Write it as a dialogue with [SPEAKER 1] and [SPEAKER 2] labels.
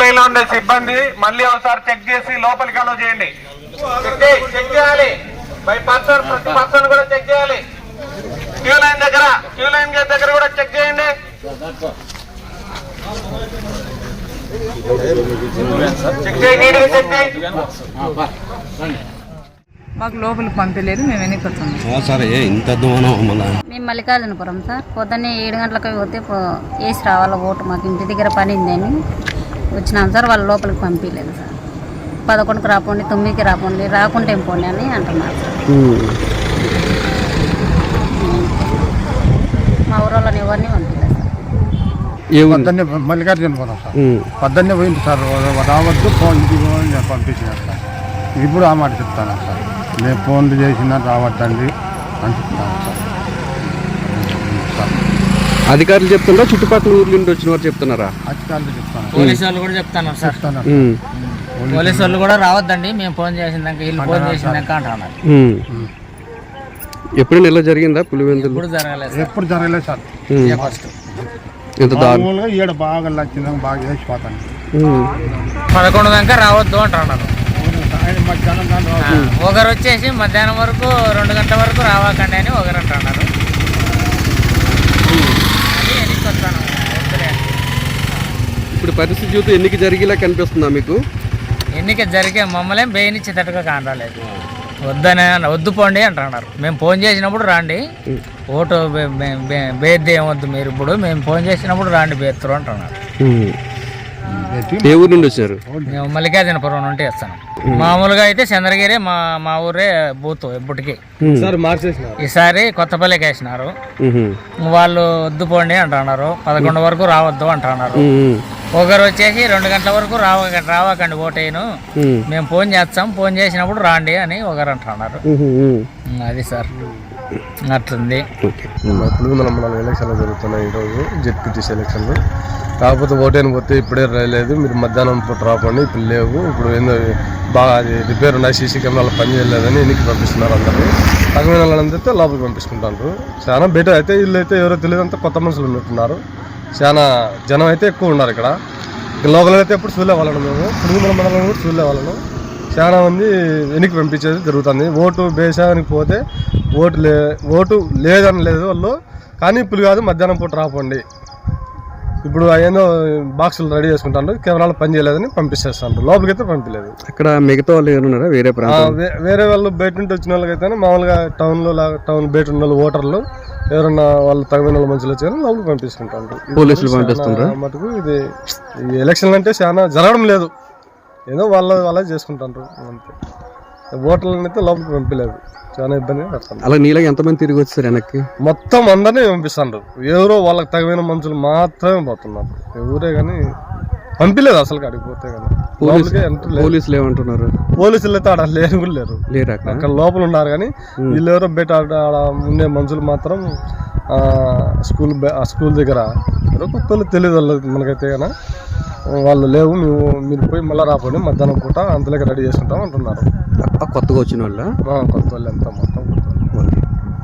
[SPEAKER 1] Line లో ఉండే సిబ్బంది మళ్ళీ ఒకసారి చెక్ చేసి లోపలికి అలో చేయండి. చెక్ చేయాలి బై పర్సన్, ప్రతి పర్సన్ కూడా చెక్ చేయాలి. క్యూ లైన్ దగ్గర కూడా చెక్ చేయండి. చెక్ చేయండి.
[SPEAKER 2] మాకు లోపలికి పంపలేదు, మేము వెనక్కి వచ్చాము.
[SPEAKER 3] సరే ఇంత
[SPEAKER 4] మేము మల్లికార్జునపురం సార్. పొద్దున్నే 7 గంటలకు పోతే వేసి రావాల ఓటు, మాకు ఇంటి దగ్గర పని ఉందని వచ్చినాం సార్. వాళ్ళు లోపలికి పంపించలేదు సార్. 11కి రాపోండి, 9కి రాపోండి, రాకుంటే ఏం పోండి అని అంటున్నారు సార్. మా ఊరోళ్ళని ఎవరిని పంపించలేదు సార్.
[SPEAKER 5] మల్లికార్జునపురం సార్. పొద్దున్నే పోయింది సార్, రావద్దు ఫోన్ పంపించినారు సార్. ఇప్పుడు ఆ మాట చెప్తాను సార్, నేను ఫోన్లు చేసినా రావద్దండి అని చెప్తాను సార్.
[SPEAKER 3] అధికారులు చెప్తున్నారా, చుట్టుపక్కల ఊర్ల నుండి వచ్చిన వారు చెప్తున్నారా?
[SPEAKER 5] అధికారులు చెప్తాను,
[SPEAKER 6] పోలీసు వాళ్ళు కూడా చెప్తాను సార్. పోలీసు వాళ్ళు కూడా రావద్దండి, మేము ఫోన్ చేసిందాక వీళ్ళు ఫోన్ చేసిందాక అంటున్నారు.
[SPEAKER 3] ఎప్పుడైనా ఇలా జరిగిందా పులివెందులు?
[SPEAKER 5] ఎప్పుడు జరగలేదు సార్. మామూలుగా ఈడ బాగా లచ్చిందాక బాగా వేసిపోతాను.
[SPEAKER 6] 11 దాకా రావద్దు అంటున్నారు. ఒకరు వచ్చేసి మధ్యాహ్నం వరకు 2 గంటల వరకు రావాకండి అని ఒకరు అంటున్నారు.
[SPEAKER 3] ఇప్పుడు పరిస్థితి చూస్తే ఎన్నిక జరిగేలా కనిపిస్తుందా మీకు?
[SPEAKER 6] ఎన్నిక జరిగే మమ్మల్ని బేయనిచ్చేటట్టుగా కానరాలేదు. వద్దు పోండి అంటున్నారు. మేము ఫోన్ చేసినప్పుడు రాండి, ఓటు బేద్ది ఏమొద్దు మీరు, ఇప్పుడు మేము ఫోన్ చేసినప్పుడు రాండి బేత్తరు అంటున్నారు.
[SPEAKER 3] ఏ ఊరు నుండి వచ్చారు?
[SPEAKER 6] మేము మల్లికార్జునపురం నుండి వస్తాను. మామూలుగా అయితే చంద్రగిరి మా ఊరే బూత్ ఎప్పటికి. ఈసారి కొత్తపల్లికి వేసినారు. వాళ్ళు వద్దు పోండి అంటున్నారు, 11 వరకు రావద్దు అంటున్నారు. ఒకరు వచ్చేసి 2 గంటల వరకు రావకండి ఓటేను, మేము ఫోన్ చేస్తాం, ఫోన్ చేసినప్పుడు రాండి అని ఒకరు అంటున్నారు. అది సార్ అట్లుంది.
[SPEAKER 7] పులివెందుల మండలం ఎలక్షన్లు జరుగుతున్నాయి ఈరోజు, జెడ్పీటీసీ ఎలక్షన్లు. కాకపోతే ఓటేని పోతే ఇప్పుడే రాలేదు, మీరు మధ్యాహ్నం పూట రాకండి, ఇప్పుడు లేవు, ఇప్పుడు ఏందో బాగా అది రిపేర్ ఉన్నాయి, సీసీ కెమెరాలు పని చేయలేదని ఎన్నికి పంపిస్తున్నారు. అందరినీ తగిన వాళ్ళందరితో లోపలికి పంపిస్తుంటారు. చాలా బెటర్ అయితే వీళ్ళు అయితే ఎవరో తెలియదు, అంతా కొత్త మనుషులు ఉన్నట్టున్నారు. చాలా జనం అయితే ఎక్కువ ఉన్నారు ఇక్కడ. లోకల్ అయితే ఎప్పుడు చూడలే వాళ్ళను, మేము పులివెందుల మండలం కూడా చూడలే వాళ్ళను. చాలా మంది వెనక్కి పంపించేది జరుగుతుంది. ఓటు బేసానికి పోతే ఓటు లేదని లేదు వాళ్ళు, కానీ ఇప్పుడు కాదు మధ్యాహ్నం పూట రాకండి, ఇప్పుడు ఏదో బాక్సులు రెడీ చేసుకుంటారు, కెమెరాలు పని చేయలేదని పంపిస్తేస్తాను. లోపలికి అయితే పంపించలేదు.
[SPEAKER 3] అక్కడ మిగతా వాళ్ళు ఎవరున్నారా?
[SPEAKER 7] వేరే వాళ్ళు బయట నుండి వచ్చిన వాళ్ళకైతే మామూలుగా టౌన్ బయట ఉన్న వాళ్ళు ఓటర్లు ఎవరన్నా వాళ్ళు తగిన వాళ్ళ మనుషులు వచ్చారని లోపలికి పంపిస్తుంటారు.
[SPEAKER 3] పోలీసులు పంపిస్తుంటారు.
[SPEAKER 7] మటుకు ఇది ఈ ఎలక్షన్లు అంటే చాలా జరగడం లేదు, ఏదో వాళ్ళ చేసుకుంటారు అంతే. ఓటర్లను అయితే లోపలికి పంపించలేదు, చాలా ఇబ్బంది పడుతుంది.
[SPEAKER 3] అలా నీళ్ళకి ఎంతమంది తిరిగి వచ్చారు వెనక్కి?
[SPEAKER 7] మొత్తం అందరినీ పంపిస్తున్నారు, ఎవరో వాళ్ళకి తగిన మనుషులు మాత్రమే పోతున్నారు, ఎవరే కానీ పంపించలేదు అసలు కాడికి పోతే. కానీ
[SPEAKER 3] పోలీసులు ఏమంటున్నారు?
[SPEAKER 7] పోలీసులు అయితే ఆడ లేరు అక్కడ లోపల ఉన్నారు, కానీ వీళ్ళు ఎవరో బయట ఆడ ఉండే మనుషులు మాత్రం స్కూల్ దగ్గర ఎవరో కొత్త తెలియదు వాళ్ళకి మనకైతే. కానీ వాళ్ళు లేవు, మీరు పోయి మళ్ళీ రాపోండి మధ్యాహ్నం పూట అంతలోకి రెడీ చేసుకుంటాం అంటున్నారు.
[SPEAKER 3] కొత్తగా వచ్చిన వాళ్ళు
[SPEAKER 7] కొత్త వాళ్ళు ఎంత మొత్తం